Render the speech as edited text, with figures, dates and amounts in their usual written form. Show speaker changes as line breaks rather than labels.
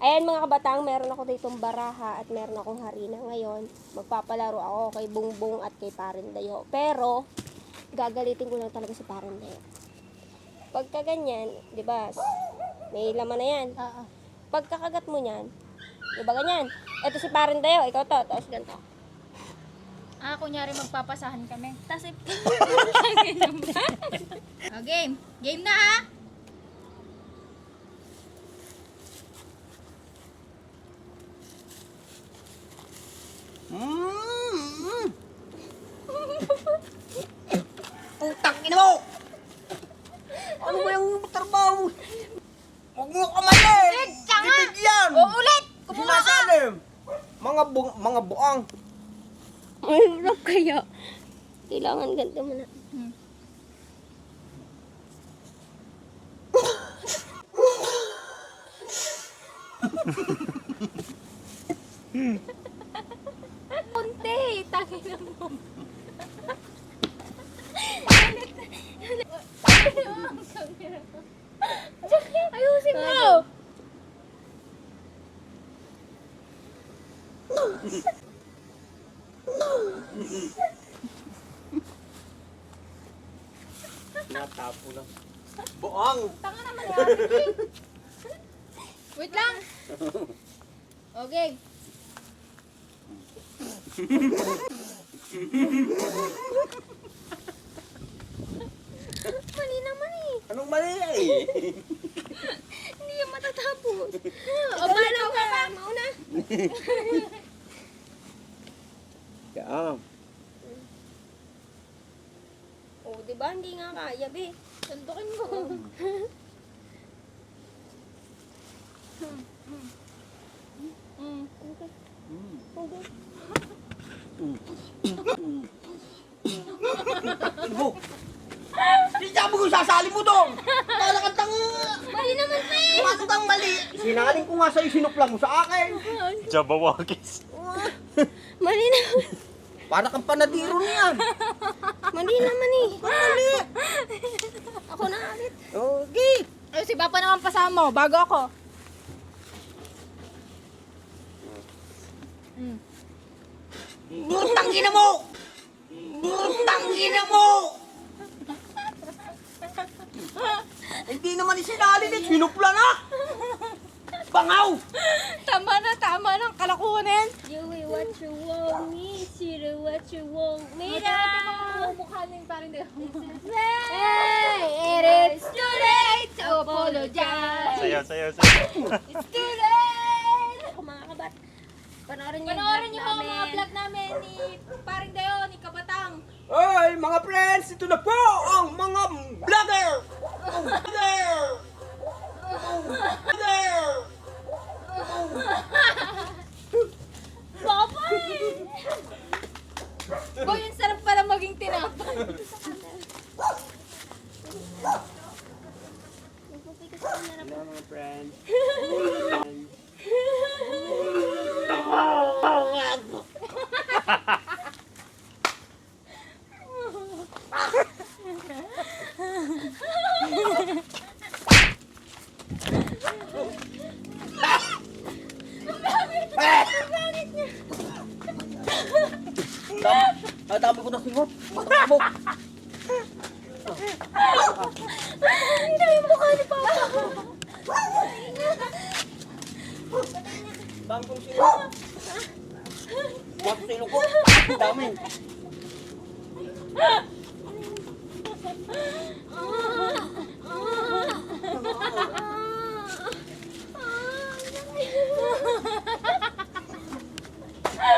Ayan mga kabatang, meron ako ditong baraha at meron akong harina ngayon. Magpapalaro ako kay Bungbong at kay Parindayo. Pero, gagalitin ko lang talaga si Parindayo. Pagka ganyan, di ba, may laman na yan. Pagkakagat mo niyan, di ba ganyan? Ito si Parindayo, ikaw to, tapos ganito.
Kunyari magpapasahan kami. Tapos game. Game na ha!
Putang ina mo! Ano ba yung trabaho? Huwag mo kamali!
Tsanga!
Bibig yan!
Uulit! Kumuha ka!
Sinasalim! Mga buang.
Ay, hirap kaya. Kailangan ganito mo na.
Punti! Tangin mo. Ayusin mo!
Natapo lang. Buang!
Tanga naman yan. Wait lang. Okay. Mali naman eh.
Anong mali eh?
Hindi yan matatapos.
O, paano ka pa?
Mauna.
Yan.
Oh, di ba? Hindi nga kaya, be.
Sundukin mo.
Okay.
Ibo! Hindi sabi ko sasali mo doon! Talakantang...
Mali naman pa eh.
Paano kang mali? Sinangaling ko nga sa'yo, sinuplang mo sa akin.
Jabawakis.
Mali naman.
Para kang panadiro niyan.
Mali naman eh.
Mali!
Ako na ulit.
Okay.
Ay, si Papa naman pasama mo, bago ako.
Butang ina mo! Butang ina mo! Hindi naman isinali ni sinupla na! Bangaw!
Tama na, kalakuhan na yan.
You will what you want me, you what you want me.
Mukha na yung parang
Hey,
It is too late to apologize.
Sayaw.
It's too late.
Ako mga kabat. Panoorin niyo
Panoorin niyo ho mga vlog namin ni Paring Dayo, ni Kabatang.
Hey, mga friends! Ito na po ang mga vlogger! Vlogger! Vlogger!
Papa! Boy, yung sarap pala maging tinapay.
Hello mga friends. Dami ko na singot. Matakbo.
Hindi yung mukha ni Papa.
Dami ko na singot. Bakit sa ilong ko? Dami.